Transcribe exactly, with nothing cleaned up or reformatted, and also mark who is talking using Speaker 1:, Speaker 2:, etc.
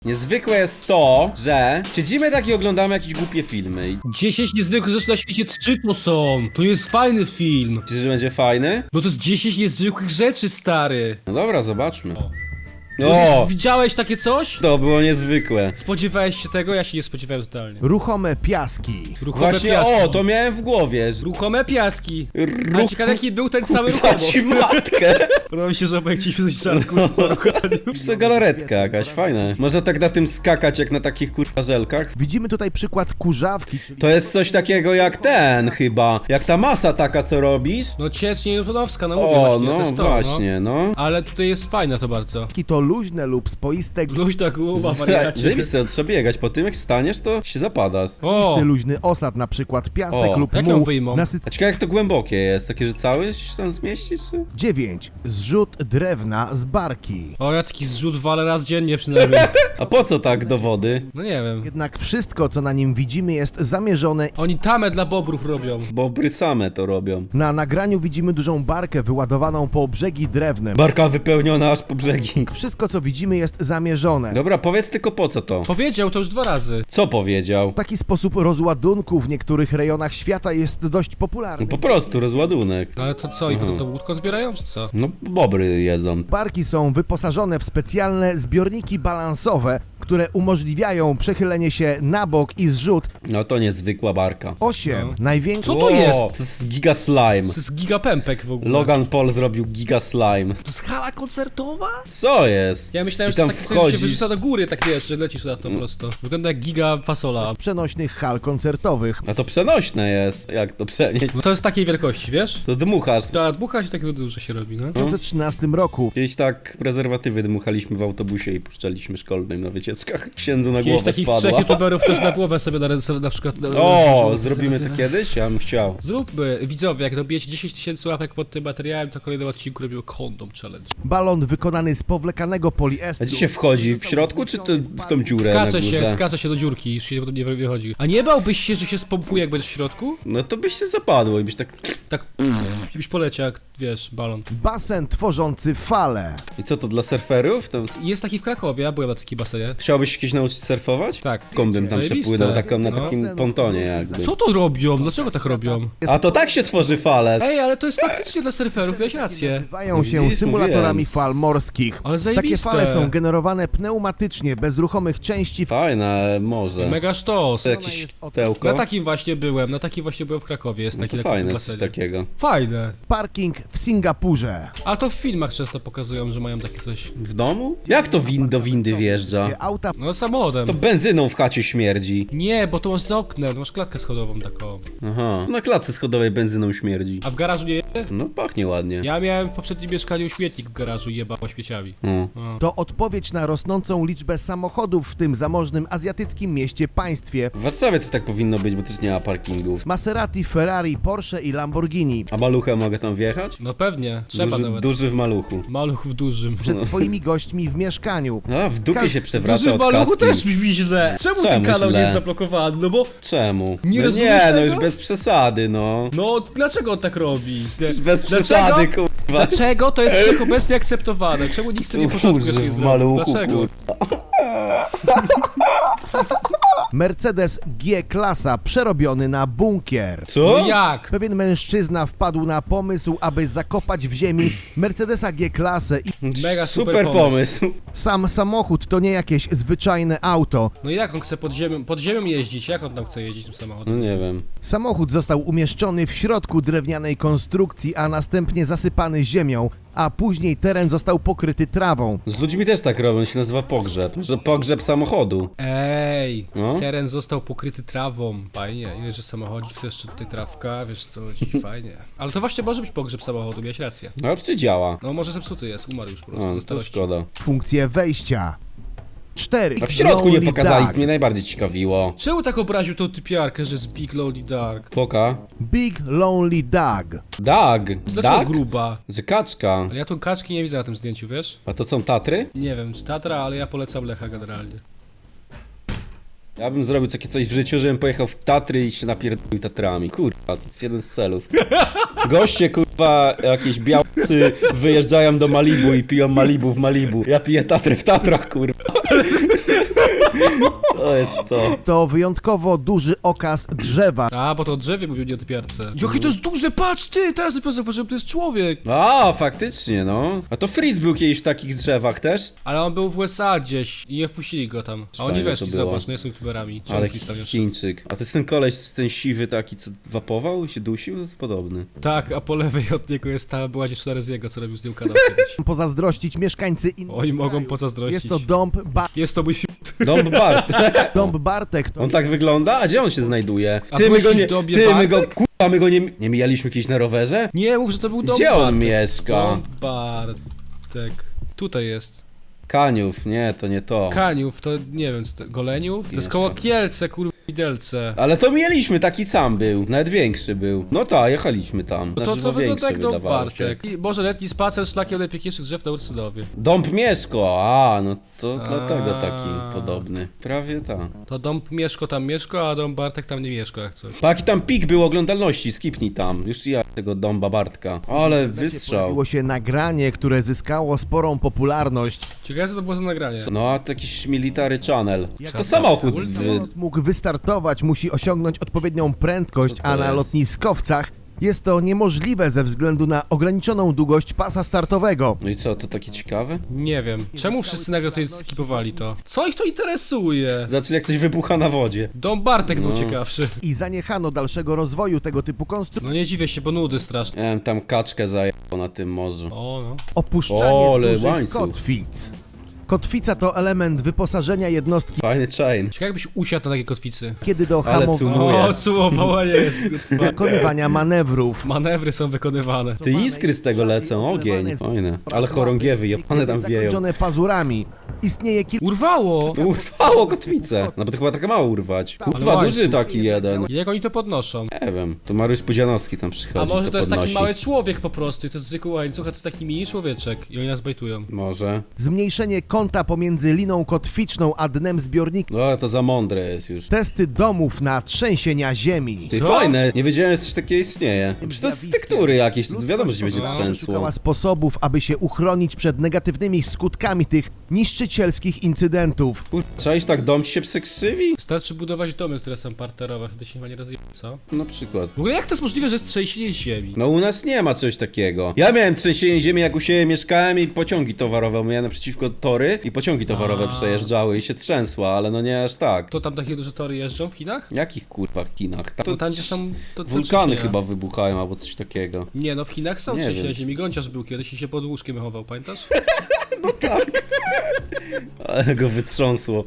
Speaker 1: Niezwykłe jest to, że siedzimy tak i oglądamy jakieś głupie filmy.
Speaker 2: dziesięć niezwykłych rzeczy na świecie, trzy to są. To jest fajny film.
Speaker 1: Myślisz, że będzie fajny?
Speaker 2: No to jest dziesięć niezwykłych rzeczy, stary.
Speaker 1: No dobra, zobaczmy.
Speaker 2: O.
Speaker 1: O!
Speaker 2: Widziałeś takie coś?
Speaker 1: To było niezwykłe.
Speaker 2: Spodziewałeś się tego? Ja się nie spodziewałem totalnie.
Speaker 3: Ruchome piaski.
Speaker 2: Ruchome
Speaker 1: Właśnie,
Speaker 2: piaski.
Speaker 1: o, to miałem w głowie. że-
Speaker 2: Ruchome piaski. A
Speaker 1: Ruch...
Speaker 2: ciekawe jaki był ten cały
Speaker 1: Kurwa
Speaker 2: ruchomo.
Speaker 1: ci matkę!
Speaker 2: Robi się, że obaj chcieliśmy coś żarku po ruchaniu.
Speaker 1: Wiesz co, galaretka jakaś, fajna. Można tak na tym skakać jak na takich kurwa żelkach.
Speaker 3: Widzimy tutaj przykład kurzawki, czyli
Speaker 1: To jest coś takiego jak ten chyba. Jak ta masa taka, co robisz.
Speaker 2: No ciecz Newtonowska, no mówię
Speaker 1: O,
Speaker 2: właśnie, to
Speaker 1: no
Speaker 2: jest to,
Speaker 1: właśnie, no.
Speaker 2: no. Ale tutaj jest fajne to bardzo.
Speaker 3: to luźne lub spoiste
Speaker 2: Luź tak głowa,
Speaker 1: Z-
Speaker 2: wariacie.
Speaker 1: Zajebiste, trzeba biegać, po tym jak staniesz, to się zapadasz.
Speaker 2: O,
Speaker 3: luźny osad, na przykład piasek
Speaker 1: O,
Speaker 3: lub
Speaker 2: jak ją
Speaker 3: muł.
Speaker 2: wyjmą?
Speaker 1: A ciekawe jak to głębokie jest, takie, że cały się tam zmieścisz? Czy?
Speaker 3: dziewięć. Zrzut drewna z barki.
Speaker 2: o, ja taki zrzut walę raz dziennie przynajmniej.
Speaker 1: A po co tak do wody?
Speaker 2: No nie wiem.
Speaker 3: Jednak wszystko, co na nim widzimy, jest zamierzone.
Speaker 2: Oni tamę dla bobrów robią.
Speaker 1: Bobry same to robią.
Speaker 3: Na nagraniu widzimy dużą barkę wyładowaną po brzegi drewnem.
Speaker 1: Barka wypełniona aż po brzegi.
Speaker 3: Wszystko, co widzimy, jest zamierzone.
Speaker 1: Dobra, powiedz tylko po co to.
Speaker 2: Powiedział to już dwa razy.
Speaker 1: Co powiedział?
Speaker 3: Taki sposób rozładunku w niektórych rejonach świata jest dość
Speaker 1: No
Speaker 3: popularny.
Speaker 1: po prostu rozładunek.
Speaker 2: No ale to co, i potem to łódko zbierają, czy co?
Speaker 1: No bobry jedzą.
Speaker 3: Barki są wyposażone w specjalne zbiorniki balansowe, które umożliwiają przechylenie się na bok i zrzut.
Speaker 1: No to niezwykła barka.
Speaker 3: osiem.
Speaker 2: No.
Speaker 3: Największy.
Speaker 2: Co to jest?
Speaker 1: To jest giga slime.
Speaker 2: To jest gigapępek w ogóle.
Speaker 1: Logan Paul zrobił giga slime.
Speaker 2: To jest hala koncertowa?
Speaker 1: Co jest?
Speaker 2: Ja myślałem,
Speaker 1: I
Speaker 2: że to
Speaker 1: tam
Speaker 2: jest takie coś, że się
Speaker 1: wchodzisz.
Speaker 2: wyrzuca do góry, tak wiesz, że lecisz na to
Speaker 1: Mm.
Speaker 2: prosto. Wygląda jak giga fasola.
Speaker 3: Przenośnych hal koncertowych.
Speaker 1: A to przenośne jest. Jak to przenieść?
Speaker 2: No to jest takiej wielkości, wiesz?
Speaker 1: To dmuchasz.
Speaker 2: Ta dmucha się tak duże się robi, no.
Speaker 3: W dwa tysiące trzynastym roku
Speaker 1: Kiedyś tak prezerwatywy dmuchaliśmy w autobusie i puszczaliśmy szkolnym na wycieczkach. Księdzu na
Speaker 2: Kiedyś
Speaker 1: głowę
Speaker 2: takich trzech
Speaker 1: spadła.
Speaker 2: youtuberów też na głowę sobie na, na, na przykład... Na,
Speaker 1: O,
Speaker 2: na-
Speaker 1: zrobimy to kiedyś? Ja bym chciał.
Speaker 2: Zróbmy, widzowie, jak dobijecie dziesięć tysięcy łapek pod tym materiałem, to kolejnym odcinku robimy kondom challenge.
Speaker 3: balon wykonany z powlekanego poliestru.
Speaker 1: A gdzie się wchodzi? W środku czy to w tą dziurę na
Speaker 2: Skacze się,
Speaker 1: górze?
Speaker 2: skacze się do dziurki, już się potem nie wychodzi. A nie bałbyś się, że się spompuje, jak będziesz w środku?
Speaker 1: No to byś się zapadło i byś tak...
Speaker 2: Tak, pff, byś poleciał jak, wiesz, balon.
Speaker 3: Basen tworzący fale.
Speaker 1: I co to dla surferów? Tam...
Speaker 2: Jest taki w Krakowie, ja byłem na takiej basenie.
Speaker 1: Chciałbyś się kiedyś nauczyć surfować?
Speaker 2: Tak.
Speaker 1: Kąbym tam
Speaker 2: Zajebiste.
Speaker 1: przepłynął taką, na
Speaker 2: No.
Speaker 1: takim pontonie jakby.
Speaker 2: Co to robią? Dlaczego tak robią?
Speaker 1: A to tak się tworzy fale.
Speaker 2: Ej, ale to jest faktycznie dla surferów, miałeś rację.
Speaker 3: Nazywają się
Speaker 1: Widzisz,
Speaker 3: symulatorami
Speaker 1: mówiłem.
Speaker 3: fal morskich.
Speaker 2: Ale
Speaker 3: Takie
Speaker 2: zajebiste.
Speaker 3: fale są generowane pneumatycznie, bez ruchomych części.
Speaker 1: Fajne może.
Speaker 2: Mega sztos.
Speaker 1: To jakieś tełko?
Speaker 2: Na takim właśnie byłem, na takim właśnie byłem w Krakowie, jest
Speaker 1: No
Speaker 2: taki
Speaker 1: to
Speaker 2: na
Speaker 1: fajne
Speaker 2: takim
Speaker 1: jest coś
Speaker 2: basenie.
Speaker 1: takiego.
Speaker 2: Fajne.
Speaker 3: Parking w Singapurze.
Speaker 2: A to w filmach często pokazują, że mają takie coś.
Speaker 1: W domu? Jak to win do windy wjeżdża?
Speaker 3: Gdzie auta
Speaker 2: No samochodem.
Speaker 1: To benzyną w chacie śmierdzi.
Speaker 2: Nie, bo to masz za oknem, masz klatkę schodową taką.
Speaker 1: Aha. Na klatce schodowej benzyną śmierdzi.
Speaker 2: A w garażu nie jedzie?
Speaker 1: No pachnie ładnie.
Speaker 2: Ja miałem w poprzednim mieszkaniu śmietnik w garażu i jebało śmieciami.
Speaker 1: O.
Speaker 3: to odpowiedź na rosnącą liczbę samochodów w tym zamożnym azjatyckim mieście państwie.
Speaker 1: W Warszawie to tak powinno być, bo też nie ma parkingów.
Speaker 3: Maserati, Ferrari, Porsche i Lamborghini.
Speaker 1: A malucha mogę tam wjechać?
Speaker 2: No pewnie, trzeba
Speaker 1: Duży,
Speaker 2: nawet.
Speaker 1: duży w maluchu.
Speaker 2: Maluch w dużym.
Speaker 3: Przed swoimi gośćmi w mieszkaniu.
Speaker 1: A, w dupie się przewraca
Speaker 2: Duży w
Speaker 1: od
Speaker 2: maluchu
Speaker 1: kaski.
Speaker 2: też brzmi źle. Czemu,
Speaker 1: Czemu
Speaker 2: ten kanał
Speaker 1: źle?
Speaker 2: nie jest zablokowany? No bo...
Speaker 1: Czemu?
Speaker 2: Nie
Speaker 1: no
Speaker 2: rozumiesz
Speaker 1: nie, no
Speaker 2: tego?
Speaker 1: już bez przesady, no.
Speaker 2: No, dlaczego on tak robi? Te-
Speaker 1: Już bez
Speaker 2: Dlaczego?
Speaker 1: przesady, kurwa.
Speaker 2: Dlaczego to jest wszechobecnie akceptowane? Czemu nikt sobie nie porządku
Speaker 1: Kurzy
Speaker 2: jeszcze nie
Speaker 1: w
Speaker 2: zrobił?
Speaker 1: maluchu,
Speaker 2: Dlaczego?
Speaker 1: kurwa.
Speaker 3: Mercedes G-klasa przerobiony na bunkier.
Speaker 1: Co?
Speaker 2: No jak?
Speaker 3: Pewien mężczyzna wpadł na pomysł, aby zakopać w ziemi Mercedesa G-klasę i
Speaker 2: Mega super
Speaker 1: Super
Speaker 2: pomysł.
Speaker 1: pomysł.
Speaker 3: sam samochód to nie jakieś zwyczajne auto.
Speaker 2: No i jak on chce pod ziemią, pod ziemią jeździć? Jak on tam chce jeździć tym
Speaker 1: No
Speaker 2: samochodem?
Speaker 1: nie wiem.
Speaker 3: Samochód został umieszczony w środku drewnianej konstrukcji, a następnie zasypany ziemią, a później teren został pokryty trawą.
Speaker 1: Z ludźmi też tak robią, się nazywa pogrzeb. Że pogrzeb samochodu.
Speaker 2: Ej,
Speaker 1: No.
Speaker 2: teren został pokryty trawą. Fajnie, ile że samochodzik, to jeszcze tutaj trawka, wiesz co chodzi, fajnie. Ale to właśnie może być pogrzeb samochodu, miałeś rację.
Speaker 1: No czy działa?
Speaker 2: No może zepsuty jest, umarł już po prostu
Speaker 1: No,
Speaker 2: ze
Speaker 1: to
Speaker 2: starości.
Speaker 1: szkoda.
Speaker 3: Funkcje wejścia. cztery.
Speaker 1: A w środku nie
Speaker 3: Lonely
Speaker 1: pokazali,
Speaker 3: Dog.
Speaker 1: mnie najbardziej ciekawiło.
Speaker 2: Czemu tak obraził tą typiarkę, że jest Big Lonely Dark?
Speaker 1: Poka.
Speaker 3: Big Lonely Dog.
Speaker 1: Dag.
Speaker 2: Dlaczego
Speaker 1: Dag?
Speaker 2: gruba?
Speaker 1: Że kaczka.
Speaker 2: Ale ja tą kaczki nie widzę na tym zdjęciu, wiesz?
Speaker 1: A to są Tatry?
Speaker 2: Nie wiem, czy Tatra, ale ja polecam Lecha generalnie.
Speaker 1: Ja bym zrobił takie coś w życiu, żebym pojechał w Tatry i się napierdolił Tatrami. Kurwa, to jest jeden z celów. Goście, kurwa, jakieś białcy wyjeżdżają do Malibu i piją Malibu w Malibu. Ja piję Tatry w Tatrach, kurwa. To jest to.
Speaker 3: To wyjątkowo duży okaz drzewa.
Speaker 2: A, bo to o drzewie mówił, nie o typiarce. Jakie to jest duże, patrz ty! Teraz dopiero zauważyłem, to jest człowiek!
Speaker 1: A, faktycznie, no. A to Freeze był kiedyś w takich drzewach też?
Speaker 2: Ale on był w U S A gdzieś i nie wpuścili go tam. A oni
Speaker 1: Fajne
Speaker 2: weszli,
Speaker 1: to było.
Speaker 2: zobacz, no są youtuberami. Czemu
Speaker 1: Ale
Speaker 2: Chris tam jeszcze?
Speaker 1: Chińczyk. A to jest ten koleś, ten siwy taki, co wapował i się dusił? To jest podobny.
Speaker 2: Tak, a po lewej od niego jest ta była dziewczyna z jego, co robił z nią kanał kiedyś.
Speaker 3: Pozazdrościć mieszkańcy innych
Speaker 2: Oni mogą
Speaker 3: krajów.
Speaker 2: pozazdrościć.
Speaker 3: Jest to dąb, ba
Speaker 2: Jest to mój fit.
Speaker 1: Dom Bart.
Speaker 3: dąb Bartek. To
Speaker 1: On tak wygląda? A gdzie on się znajduje?
Speaker 2: A
Speaker 1: Ty, my
Speaker 2: byłeś
Speaker 1: go
Speaker 2: kiedyś
Speaker 1: nie...
Speaker 2: w dobie
Speaker 1: Ty, my go...
Speaker 2: Bartek?
Speaker 1: Kurwa, my go nie... Nie mijaliśmy kiedyś na rowerze?
Speaker 2: Nie, mów, że to był dom
Speaker 1: Gdzie on
Speaker 2: Bartek.
Speaker 1: mieszka?
Speaker 2: Dom Bartek. Tutaj jest.
Speaker 1: Kaniów, nie, to nie to.
Speaker 2: Kaniów, to nie wiem, co to, Goleniów? To jest
Speaker 1: Mieszka.
Speaker 2: koło Kielce, kurwa, Widelce.
Speaker 1: Ale to mieliśmy, taki sam był, nawet większy był. No tak, jechaliśmy tam.
Speaker 2: No to
Speaker 1: Znaczy,
Speaker 2: co
Speaker 1: no
Speaker 2: wygląda
Speaker 1: większy
Speaker 2: jak dom
Speaker 1: wydawało się.
Speaker 2: Bartek. I może letni spacer szlakiem najpiękniejszych drzew na Ursynowie.
Speaker 1: Dąb Mieszko, a no to
Speaker 2: A.
Speaker 1: dlatego taki podobny. Prawie tak.
Speaker 2: To dom Mieszko tam mieszka, a dom Bartek tam nie mieszka jak coś.
Speaker 1: Pa, jaki tam pik był oglądalności, skipnij tam. Już ja tego Dąba Bartka. Ale wystrzał.
Speaker 3: Pojawiło się nagranie, które zyskało sporą popularność.
Speaker 2: Ciekawe co to było za nagranie.
Speaker 1: No a to jakiś military channel. Czy to
Speaker 2: Jak
Speaker 1: samochód?
Speaker 2: to?
Speaker 1: Wy...
Speaker 3: Samolot mógł wystartować, musi osiągnąć odpowiednią prędkość,
Speaker 1: Co to
Speaker 3: a na
Speaker 1: jest?
Speaker 3: lotniskowcach jest to niemożliwe ze względu na ograniczoną długość pasa startowego.
Speaker 1: No i co, to takie ciekawe?
Speaker 2: Nie wiem. Czemu wszyscy nagle tutaj skipowali to? Co ich to interesuje?
Speaker 1: Zaczęli jak coś wybucha na wodzie.
Speaker 2: Dom Bartek był
Speaker 1: No.
Speaker 2: ciekawszy.
Speaker 3: I zaniechano dalszego rozwoju tego typu konstrukcji.
Speaker 2: No nie dziwię się, bo nudy straszne.
Speaker 1: Nie wiem, tam kaczkę zajęło na tym morzu.
Speaker 2: O no.
Speaker 3: Opuszczanie
Speaker 1: O, ale
Speaker 3: dużych
Speaker 1: łańcuch.
Speaker 3: kotwic. Kotwica to element wyposażenia jednostki,
Speaker 1: Fajny chain.
Speaker 2: Ciekawe jakbyś usiadł na takiej kotwicy.
Speaker 3: kiedy do
Speaker 1: Ale
Speaker 3: hamowania,
Speaker 1: Cumuję.
Speaker 2: O, sumowanie jest. kurwa.
Speaker 3: wykonywania manewrów.
Speaker 2: Manewry są wykonywane.
Speaker 1: Ty iskry z tego lecą, ogień. Fajne. Ale chorągiewy, one tam wieją.
Speaker 3: Zakończone pazurami. Istnieje kilka
Speaker 2: Urwało!
Speaker 1: Urwało kotwicę. No bo to chyba tak mało urwać. Kurwa,
Speaker 2: Ale
Speaker 1: duży
Speaker 2: łańcuch.
Speaker 1: taki jeden.
Speaker 2: Jak oni to podnoszą?
Speaker 1: Nie wiem, to Mariusz Pudzianowski tam
Speaker 2: A
Speaker 1: przychodzi,
Speaker 2: może to jest taki
Speaker 1: podnosi.
Speaker 2: mały człowiek po prostu i to jest zwykły łańcuch, a to jest taki mini człowieczek i oni nas bajtują.
Speaker 1: Może.
Speaker 3: zmniejszenie kąta pomiędzy liną kotwiczną a dnem zbiornika.
Speaker 1: No ale to za mądre jest już.
Speaker 3: Testy domów na trzęsienia ziemi.
Speaker 1: Ty
Speaker 2: Co?
Speaker 1: fajne, nie wiedziałem, że coś takiego istnieje. Przecież to jest tektury jakieś, to wiadomo, że się będzie
Speaker 2: No.
Speaker 1: trzęsło.
Speaker 3: Szukała sposobów, aby się uchronić przed negatywnymi skutkami tych niszczycielskich incydentów.
Speaker 1: Kur... Trzeba iść tak, dom ci się przekrzywi?
Speaker 2: Wystarczy budować domy, które są parterowe, wtedy się chyba nie rozje... co?
Speaker 1: Na przykład.
Speaker 2: W ogóle jak to jest możliwe, że jest trzęsienie ziemi?
Speaker 1: No u nas nie ma czegoś takiego. Ja miałem trzęsienie ziemi, jak u siebie mieszkałem i pociągi towarowe, miałem naprzeciwko tory i pociągi towarowe
Speaker 2: A.
Speaker 1: przejeżdżały i się trzęsło, ale no nie aż tak.
Speaker 2: To tam takie duże tory jeżdżą w Chinach?
Speaker 1: Jakich kurwa Chinach?
Speaker 2: To tam gdzie są... To, to
Speaker 1: Wulkany
Speaker 2: nie.
Speaker 1: chyba wybuchają albo coś takiego.
Speaker 2: Nie no, w Chinach są
Speaker 1: Nie
Speaker 2: trzęsienia
Speaker 1: wiem.
Speaker 2: ziemi. Gąciarz był kiedyś i się pod łóżkiem chował, pamiętasz?
Speaker 1: Ale go wytrząsło.